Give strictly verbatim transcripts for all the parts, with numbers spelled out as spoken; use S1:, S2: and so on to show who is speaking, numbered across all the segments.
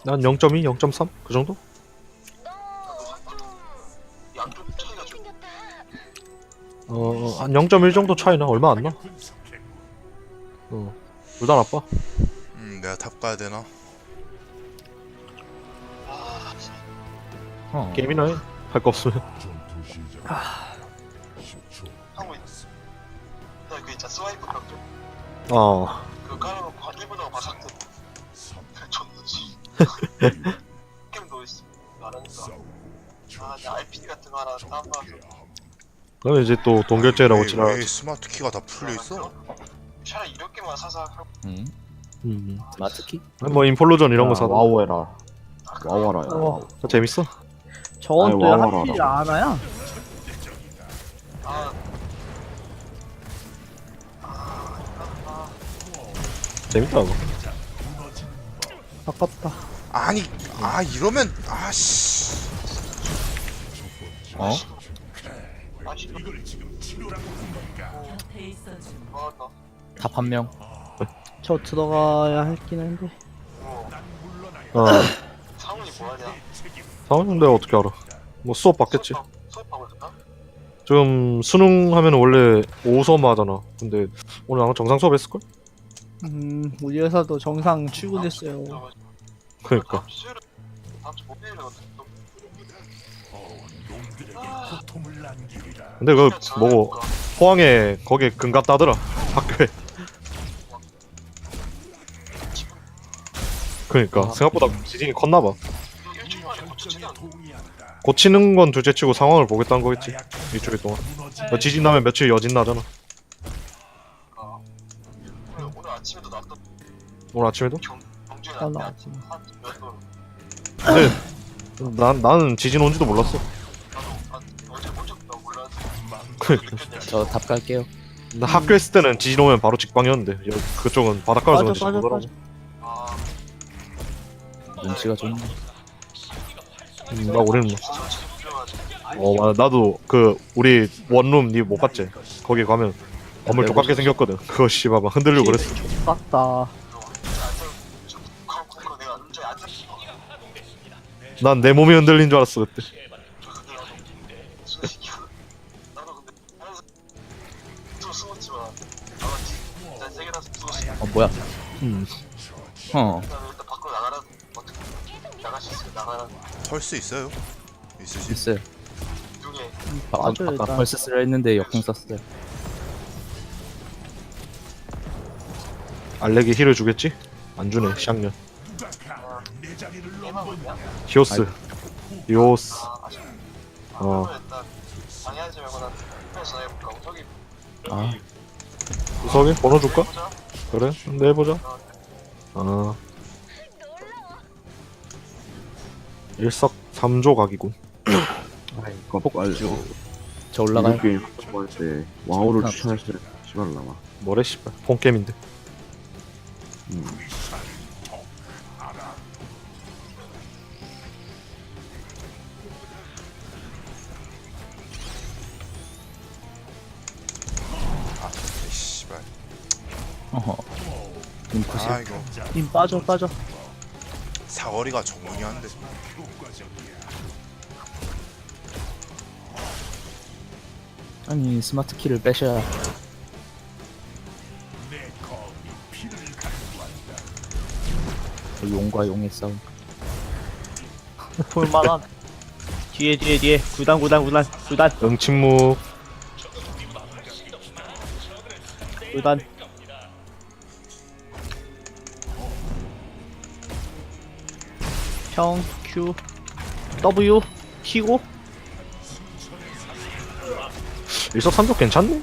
S1: 난 영 점 이, 영 점 삼 그 정도?
S2: 양쪽 차이가 좀
S1: 어, 한 영 점 일 정도 차이나 얼마 안 나. 어, 둘 다 나빠.
S3: 음 내가 탑 가야 되나?
S2: 아, 진짜.
S4: 어.
S1: 게임이나 해. 할 거 없으면.
S2: 하고 있어. 나그 있잖아 스와이프 벽좀
S1: 어,
S2: 그거 깔아놓고 한 일 분 하고 바삭 줬는지 게임 넣어있어 안 하니까 아 이제 알피디 같은 거 하나 다운받아서
S1: 그러면 이제 또 동결제라고
S3: 왜,
S1: 치라.
S3: 왜 스마트 키가 다 풀려 있어?
S2: 차라리 이렇게만 사서 하고
S4: 응.
S1: 음,
S4: 마트키?
S1: 뭐 인폴로전 이런 거
S5: 야,
S1: 사다.
S5: 와우 해라.
S2: 아,
S5: 와우 하라. 야.
S6: 어.
S1: 어, 재밌어.
S6: 저건
S5: 아니,
S6: 또
S5: 와와라.
S6: 하필 안 와야?
S2: 아
S1: 재밌다 그거.
S6: 아깝다.
S3: 아니 아 이러면 아씨
S4: 어?
S2: 아 진짜 아나
S4: 탑 한 명.
S6: 저 들어가야 할긴 한데.
S2: 어
S1: 어,
S2: 상훈이 뭐하냐
S1: 상황 내가 어떻게 알아? 뭐 수업 받겠지.
S2: 수업- 수업하고 있었나?
S1: 지금 수능 하면 원래 오후 수업 하잖아. 근데 오늘 아마 정상 수업 했을걸?
S6: 음, 우리 회사도 정상 출근했어요.
S1: 그러니까.
S2: 수요일 다음 주 목요일이거든
S1: 근데 그 뭐고 포항에 거기 근갑 따더라 학교에. 그러니까 생각보다 지진이 컸나봐.
S2: 일주일 만에 고치지도 않고
S1: 고치는 건 둘째치고 상황을 보겠다는 거겠지 일주일 동안. 뭐 지진 나면 며칠 여진 나잖아.
S2: 오늘, 오늘 아침에도 나왔던
S1: 오늘 아침에도?
S2: 경, 경주에
S6: 아,
S2: 나왔대
S6: 나왔지.
S2: 한몇 도.
S1: 근데 난 나는 지진 온지도 몰랐어.
S2: 나도 한 어제 본 적도 몰랐는데
S1: 그러니까.
S2: 느꼈냐
S4: 저 탑 갈게요.
S1: 나 학교 있을 때는 지진 오면 바로 직방이었는데 여- 그쪽은 바닷가라서
S6: 빠져,
S1: 그런지
S6: 빠져,
S1: 모르더라고.
S2: 아
S4: 눈치가 좋네.
S1: 음, 나 우리는 뭐.
S2: 진짜 지금 필요하지
S1: 어 맞아 나도 그 우리 원룸 니 못 갔지? 거기 가면 건물 똑같게 생겼거든. 그거 씨발 막 흔들리고 그랬어.
S6: 빡다.
S2: 그거 내가 운전에 안 잡힌 거
S1: 난 내 몸이 흔들린 줄 알았어 그때.
S2: 나도 근데 다른 사람 또 숨었지만 나도 진짜 세계라서 숨었어
S4: 어 뭐야?
S1: 음.
S4: 어.
S2: 나는 일단 밖으로 나가라 어떻게 나갈 수 있으면 나가라
S3: 털 수 있어요? 있으시?
S4: 있어요.
S2: 중에
S4: 아,
S6: 맞아요,
S4: 아까
S6: 일단.
S4: 펄스 쓰려 했는데 역행 썼어요.
S1: 알렉이 힐을 주겠지? 안 주네 샹년.
S2: 게임하고 있냐?
S1: 히오스. 히오스.
S2: 아 아쉽다
S1: 어.
S2: 그러면 일단 방해하지 말고 난 투표 전화해볼까 우석이
S4: 아
S1: 우석이 번호 줄까?
S2: 해보자
S1: 그래? 근데 해보자.
S2: 어,
S1: 아. 일석삼조 각이군.
S5: 아이, 껍갈죠.
S4: 저 올라가요.
S5: 이거 게임 할때 와우를 추천했어요. 시발 나와.
S1: 뭐래 씨발 폰게임인데.
S5: 음.
S3: 아 씨발
S4: 어허. 눈코시.
S3: 아 이거
S6: 님 빠져, 빠져.
S3: 사거리가 정문이한데
S4: 아니 스마트 키를 빼셔야. 용과 용의 싸움.
S6: 볼만한. 뒤에, 뒤에, 뒤에. 구단, 구단, 구단, 구단,
S1: 응침묵.
S6: 구단. 평, Q, W, 키고.
S1: 일석삼조 괜찮네?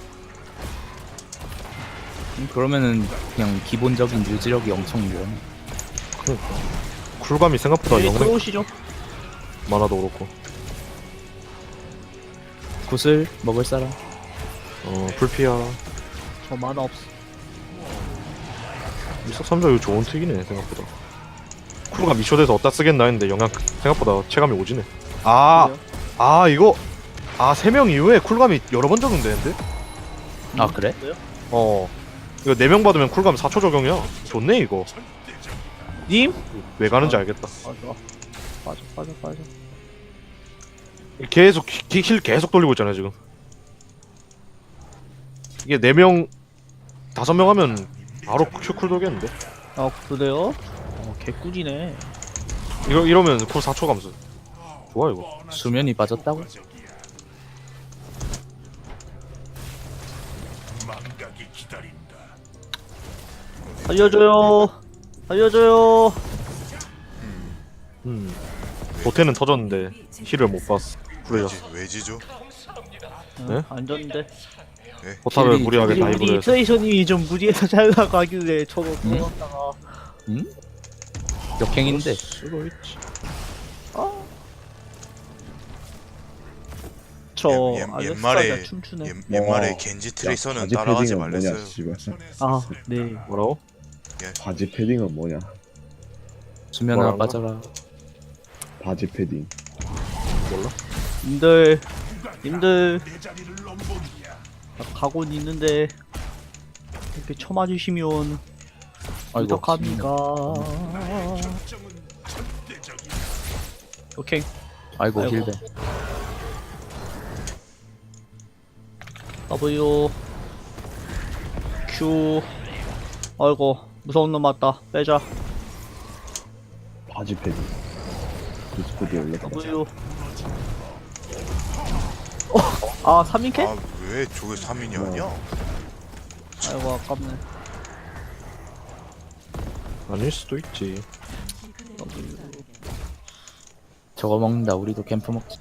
S4: 음, 그러면은 그냥 기본적인 유지력이 엄청 유연해.
S1: 쿨감이 생각보다
S6: 여기
S1: 영생
S6: 들어오시죠.
S1: 많아도 그렇고.
S4: 구슬 먹을 사람.
S1: 어 불피야.
S6: 저 만화 없어.
S1: 일석삼조 이거 좋은 틱이네 생각보다. 쿨감 이쇼 돼서 어디다 쓰겠나 했는데 영향 생각보다 체감이 오지네. 아,
S6: 그래요?
S1: 아 이거 아 세 명 이후에 쿨감이 여러 번 적용되는데?
S4: 아 그래?
S1: 어 이거 네 명 받으면 쿨감 사 초 적용이야. 좋네 이거.
S6: 님?
S1: 왜 가는지 알겠다.
S6: 맞아. 빠져 빠져 빠져.
S1: 계속 히- 힐 계속 돌리고 있잖아요 지금. 이게 네 명 다섯 명 하면 바로 큐쿨 돌겠는데.
S6: 아 그래요? 어 개꿀이네.
S1: 이거 이러면 쿨 사 초 감소. 좋아 이거.
S4: 수면이 빠졌다고?
S6: 살려줘요. 살려줘요.
S1: 음. 도태는 터졌는데 힐을 못 봤어. 그래요.
S3: 왜지, 왜지죠?
S1: 네?
S6: 안 졌는데.
S1: 포탑을
S4: 힐이-
S1: 무리하게
S6: 우리
S1: 다이브를
S6: 우리
S1: 해서.
S6: 트레이서님이 좀 무리해서 잘 나가길래 저거
S4: 음?
S6: 들어갔다가.
S4: 응? 역행인데.
S1: 쓰고 있지.
S6: 아. 저
S3: 옛- 옛-
S6: 알렉스가
S3: 옛말에-
S6: 춤추네.
S3: 옛, 옛말에
S5: 와.
S3: 겐지
S5: 야,
S3: 트레이서는
S5: 바지
S3: 따라가지
S5: 패딩은 뭐냐,
S3: 말랬어요.
S5: 씨발.
S6: 아 네.
S1: 뭐라고?
S5: 바지 패딩은 뭐냐?
S4: 수면아
S1: 뭐라고?
S4: 빠져라.
S5: 바지 패딩.
S1: 몰라?
S6: 님들 님들 나 각오는 있는데 이렇게 쳐맞으시면
S4: 아이고.
S6: 어떡합니까? 오케이.
S4: 아이고
S6: 아이고.
S4: 힐배.
S6: W Q. 아이고 무서운 놈 맞다. 빼자.
S5: 바지 패딩. 디스코드 올렸다.
S6: W. 어, 아 삼 인캐?
S3: 아, 왜 저게 삼 인이 아니야?
S6: 아이고 아깝네.
S1: 아닐 수도 있지.
S4: 저거 먹는다. 우리도 캠프 먹자.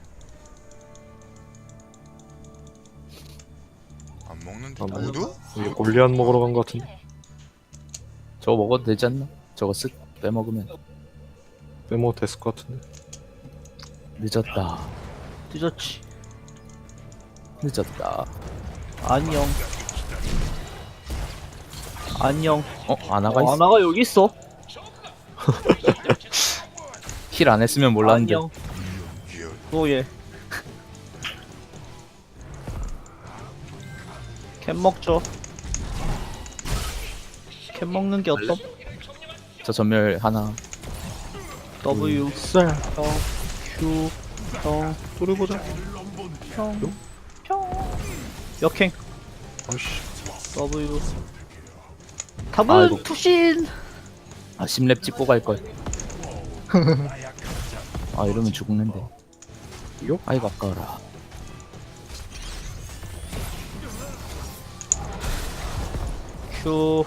S3: 안 먹는데
S1: 안
S3: 모두?
S1: 이게 골리앗 먹으러 간 거 같은데.
S4: 저거 먹어도 되지 않나? 저거 쓱 빼먹으면
S1: 빼먹 됐을 것 같은데.
S4: 늦었다.
S6: 늦었지.
S4: 늦었다.
S6: 안녕. 안녕.
S4: 어? 아나가
S6: 어,
S4: 있어?
S6: 아나가 여기 있어.
S4: 힐 안 했으면 몰랐는데.
S6: 안녕.
S3: 리얼.
S6: 오예. 캔 먹죠. 캔 먹는 게 어떤?
S4: 저 전멸 하나.
S6: W
S1: 쌀.
S6: 평 Q 평
S1: 뚫어보자.
S6: 평 평 역행
S1: 아이씨.
S6: W
S4: 아이고.
S6: 답은 투신.
S4: 아 심랩 찍고 갈걸. 아 이러면 죽는데.
S1: 요?
S4: 아이고 아까워라.
S6: Q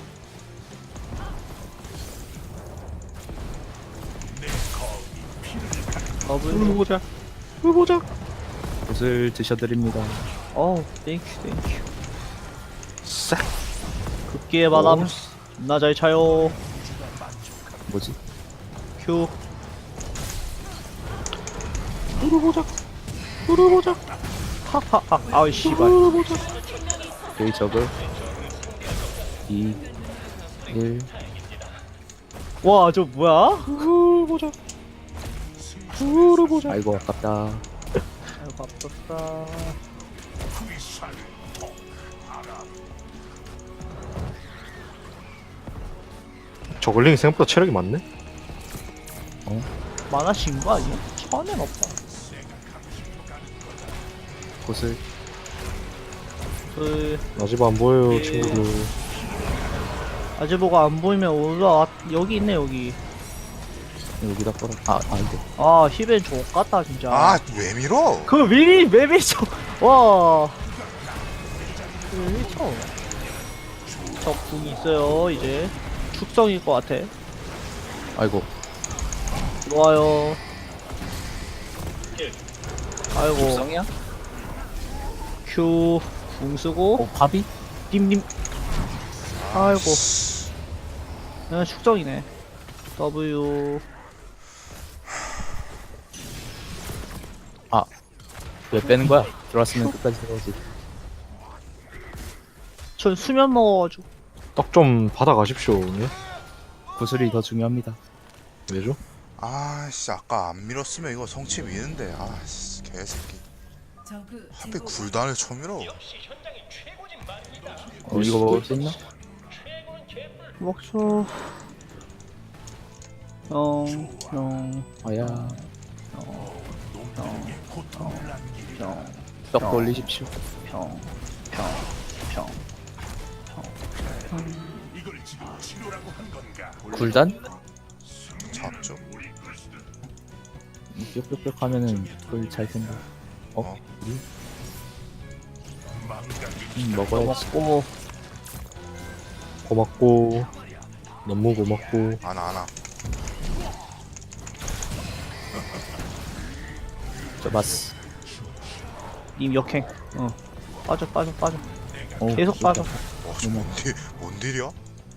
S6: W
S1: 뚫어보자. 뚫어보자.
S4: 옷을 드셔드립니다.
S6: 어우 땡큐 땡큐.
S1: 싹.
S6: 급기의 바람 존나 잘 차요.
S4: 뭐지?
S6: Q
S1: 뚫어보자. 뚫어보자.
S6: 하하하 아이 씨발.
S1: 뚫어보자.
S4: 여기 저거. 이 일.
S6: 와 저 뭐야?
S1: 뚫어보자. 뚫어보자.
S4: 아이고 아깝다.
S6: 아이고 아깝다.
S1: 저글링이 생각보다 체력이 많네.
S6: 만화신 거 아니야? 천엔 없다.
S4: 옷을
S6: 그
S1: 아직 안 보여요 친구들.
S6: 아재보가 안 보이면 올라 여기 있네 여기.
S4: 여기다 걸어. 아 아이고.
S6: 아 힙엔 족같다 진짜.
S3: 아, 왜 밀어?
S6: 그 미리 왜 미쳐? 와. 왜 미쳐? 적궁이 있어요 이제. 축성일 것 같아.
S4: 아이고.
S6: 들어와요. 아이고.
S4: 속성이야?
S6: Q 궁 쓰고
S4: 어 밥이?
S6: 님님. 아이고. 야 축성이네. W.
S4: 왜 빼는 거야? 들어왔으면 끝까지 들어오지.
S6: 전 수면 먹어가지고.
S1: 떡 좀 받아가십시오. 예?
S4: 구슬이 더 중요합니다.
S1: 왜죠?
S3: 아씨, 아까 안 밀었으면 이거 성치 미는데. 아씨, 개새끼. 하필 굴단을 쳐밀어.
S4: 어 이거 먹을 수 있나?
S6: 먹죠. 평, 평,
S4: 아야.
S6: 평, 평,
S4: 벽 돌리십시오.
S6: 평, 평, 평.
S4: 굴단?
S3: 잡죠.
S4: 뿅뿅뿅 하면은 그걸 잘 텐데. 어?
S3: 어?
S4: 우리? 음, 먹어야지.
S6: 먹고
S1: 고맙고 너무 고맙고.
S3: 안아 안아.
S4: 잡았어.
S6: 님 역행. 어. 빠져 빠져 빠져.
S4: 어,
S6: 계속 빠져.
S3: 와, 씨, 뭔 딜, 뭔 딜이야?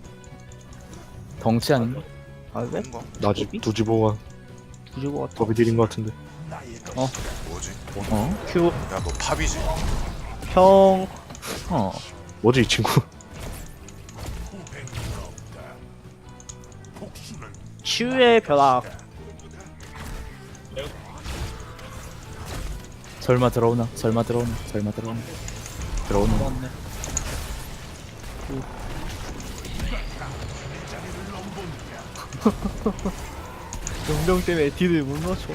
S4: 덩치 아닌가?
S6: 아 왜?
S3: 뭔가?
S1: 나지 두지보가
S6: 부지고 같아.
S1: 더비딜인 것 같은데.
S3: 뭐지?
S4: 어?
S6: Q
S3: 야, 너 팝이지?
S6: 평.
S4: 어.
S1: 뭐지 이 친구?
S6: 치유의 벼락.
S4: 설마 들어오나? 설마 들어오나? 설마 들어오나? 들어오나?
S6: 들어왔네. 용병 때문에 딜을 못 넣죠.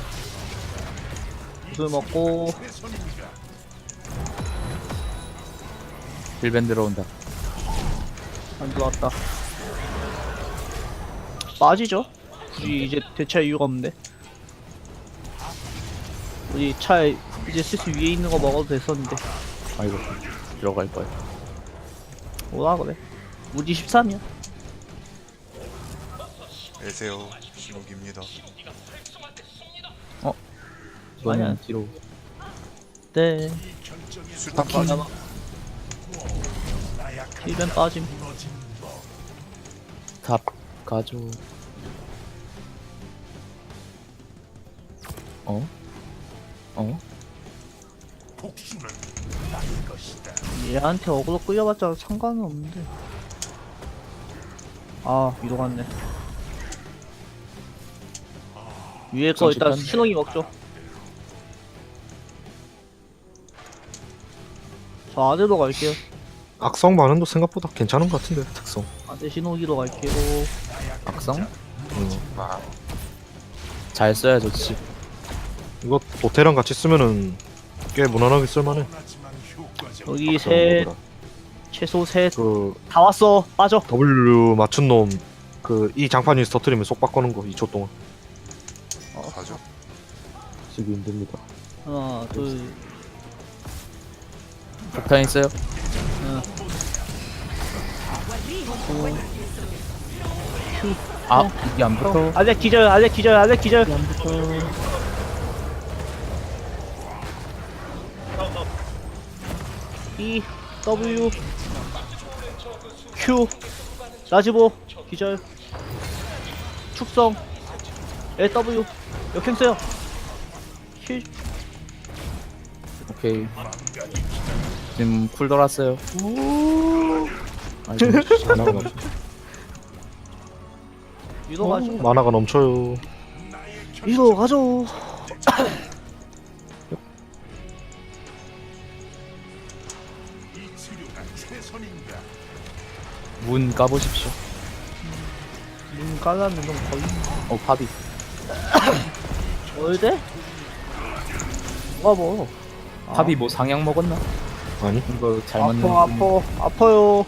S6: 술 먹고
S4: 힐밴 들어온다.
S6: 안 들어왔다. 빠지죠? 굳이 이제 대체할 이유가 없는데. 우리 차에 이제 슬슬 위에 있는 거 먹어도 됐었는데.
S4: 아이고 들어갈 거야.
S6: 뭐라 그래? 우리 십삼이야.
S3: 안녕하세요. 신욱입니다.
S4: 이거는
S6: 아니야.
S4: 뒤로.
S6: 네.
S3: 술탄 빠져.
S6: 힐벤 빠짐.
S4: 답 가져. 어? 어?
S6: 얘한테 어그로 끌려봤자 상관은 없는데. 아 위로 갔네. 위에 거 일단
S4: 잠시만.
S6: 신호기 먹죠. 저 아래로 갈게요.
S1: 악성 반응도 생각보다 괜찮은 것 같은데 특성.
S6: 아래 신호기로 갈게요.
S4: 악성?
S1: 음.
S4: 잘 써야 좋지.
S1: 이거 도태랑 같이 쓰면은 꽤 무난하게 쓸만해.
S6: 여기 셋, 최소 셋.
S1: 그
S6: 다 왔어. 빠져.
S1: W 맞춘 놈 그 이 장판 위에서 터트리면 속 바꾸는 거 이 초 동안.
S3: 가죠.
S5: 쓰기 힘듭니다.
S6: 하나, 둘,
S4: 폭탄 있어요?
S6: 하나.
S4: 아 이게 안 붙어.
S6: 알렉 기절, 알렉 기절, 알렉 기절. E, W, Q, 라지보, 기절, 축성, L, W, 역행 써요. 힐,
S4: 오케이. 지금 쿨 돌았어요. 아이고
S1: 만화가 넘-
S6: 위로 가죠.
S1: 만화가 넘쳐요.
S6: 위로 가죠.
S4: 문 까보십시오.
S6: 문 깔라면 좀 걸리네.
S4: 어 팝이.
S6: 월대? 뭐가 뭐?
S4: 팝이 뭐 상향 먹었나?
S1: 아니
S4: 이거 잘 맞는.
S6: 아파, 아파, 아파요.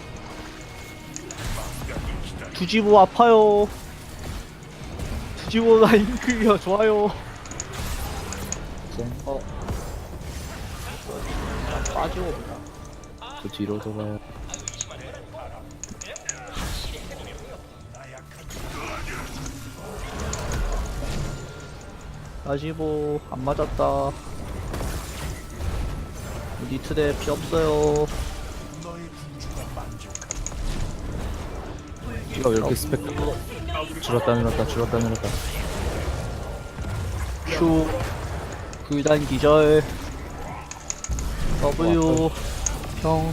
S6: 두지보 아파요. 두지보 라인 클리어 좋아요. 어. 빠지고 보자.
S4: 저 뒤로 돌아요.
S6: 라지보 안 맞았다. 우리 트랩 피 없어요.
S4: 이거 왜 이렇게 스펙 줄었다 늘었다 줄었다 늘었다.
S6: Q 불단 기절. W 평.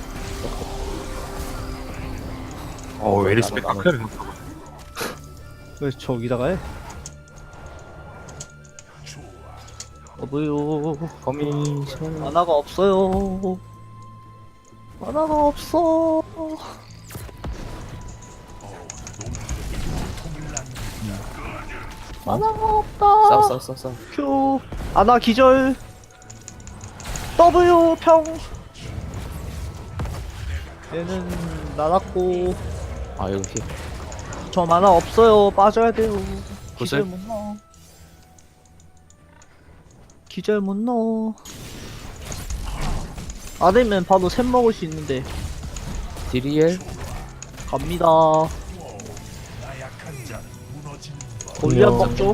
S1: 어 웨리스 백크를
S6: 왜 저기다가 해? W
S4: 거미션.
S6: 만화가 없어요. 만화가 없어. 만화가 없다.
S4: 싸워 싸워 싸워 싸워.
S6: Q 아나 기절. W 평. 얘는 날았고
S4: 아 이거 히.
S6: 저 만화 없어요. 빠져야 돼요. 기절
S4: 구슬?
S6: 못 넣어. 기절 못 넣어. 아들면 바로 샘 먹을 수 있는데
S4: 디리엘.
S6: 갑니다. 골리앗
S1: 안녕.
S6: 먹죠?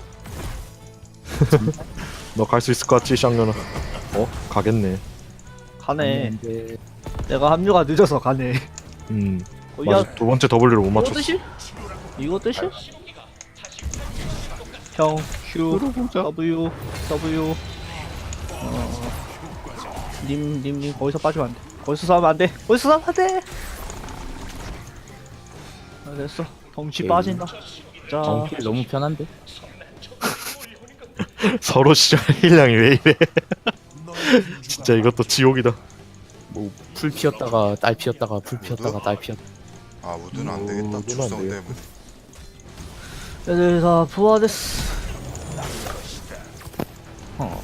S1: 너 갈 수 있을 것 같지 쌍년아? 어? 가겠네.
S6: 가네.
S4: 근데
S6: 내가 합류가 늦어서 가네.
S1: 음
S6: 골리앗
S1: 맞아 두 번째 W를 못
S6: 이거
S1: 맞췄어.
S6: 뜻이? 이거 뜻이? 형 Q W W 어... 님, 님, 님 거기서 빠지면 안 돼. 거기서 싸우면 안 돼. 거기서 싸우면 안 돼. 아, 됐어. 덩치
S4: 오케이.
S6: 빠진다. 자,
S4: 정필 너무 편한데?
S1: 서로 시절 힐량이 왜 이래? 진짜 이것도 지옥이다.
S4: 뭐 풀 피었다가 딸 피었다가 풀 피었다가 딸 피었.
S3: 아 우드는 안 되겠다.
S1: 우드는 안
S3: 축성
S1: 돼요.
S3: 때문에.
S6: 애들 다 부화됐어.
S4: 어.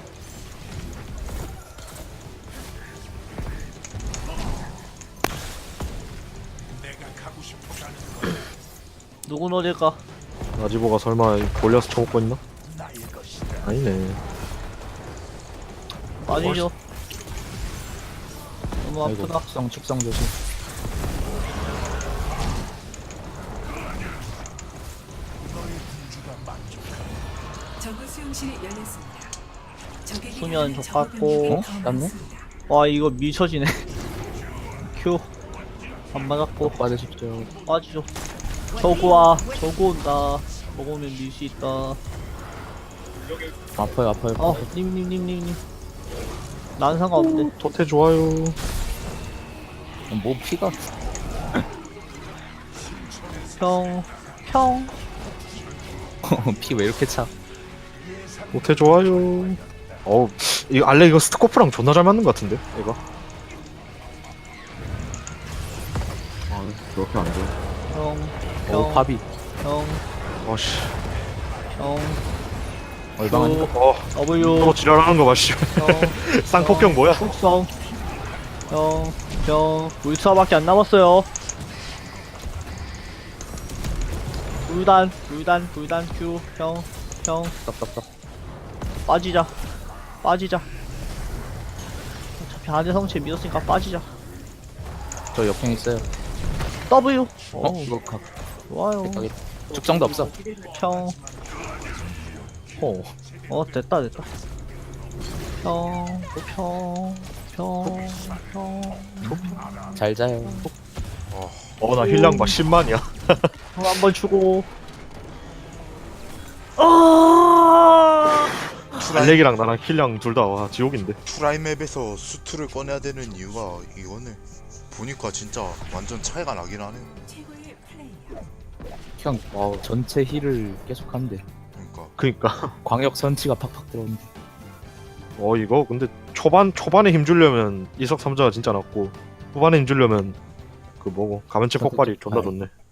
S6: 누군 어딜까?
S1: 나지보가 설마 골려서 쳐먹고 있나? 아니네.
S6: 아니죠. 너무
S4: 아이고
S6: 아프다.
S4: 축성 축성 조심.
S7: 저그 수용실이 열렸습니다. 적에게
S6: 소년
S7: 하는
S6: 족같고.
S7: 적응력이
S4: 어?
S7: 더
S4: 땄네?
S7: 많습니다.
S6: 와 이거 미쳐지네. Q 안 맞았고
S4: 받으십시오.
S6: 빠지죠. 저거 와. 저거 온다. 먹으면 밀 수 있다.
S4: 아파요 아파요.
S6: 어, 님님님님님. 난 상관없는데.
S1: 토테 좋아요.
S4: 뭐 피가
S6: 평, 평.
S4: 피 왜 이렇게 차?
S1: 토테 좋아요. 어우 이 알레 이거 스코프랑 존나 잘 맞는 것 같은데 얘가.
S5: 아, 그렇게 안 돼.
S6: 평,
S4: 오
S6: 평,
S4: 파비.
S6: 평,
S1: 아씨.
S6: 평.
S4: 얼방하니까.
S1: 어.
S6: W,
S1: 또 지랄하는 거 봐, 씨.
S6: 평.
S1: 쌍폭격 뭐야?
S6: 속성. 평, 평. 울트라밖에 안 남았어요. 불단, 불단, 불단 Q, 평, 평.
S4: 떡떡떡.
S6: 빠지자. 빠지자. 어차피 안에 성체 믿었으니까 빠지자.
S4: 저 역행 있어요.
S6: W.
S4: 어?
S6: 어,
S4: 이거 각
S6: 좋아요.
S4: 각이 축성도 없어.
S6: 평.
S1: 어.
S6: 어, 됐다, 됐다. 평, 평, 평, 평.
S4: 잘 자요.
S1: 어, 나 힐량 봐, 십만이야.
S6: 평 한번 주고. 아!
S1: 알렉이랑 나랑 힐량 둘 다 와, 지옥인데.
S3: 프라이맵에서 수트를 꺼내야 되는 이유가 이거네. 보니까 진짜 완전 차이가 나긴 하네.
S7: 최고의 플레이어.
S4: 그냥 와 전체 힐을 계속 하는데
S3: 그러니까
S1: 그니까.
S4: 광역 선치가 팍팍 들어오는데.
S1: 어, 이거 근데 초반, 초반에 힘주려면 이석삼자가 진짜 낫고, 후반에 힘주려면 그 뭐고, 가면체 폭발이 존나 좋네.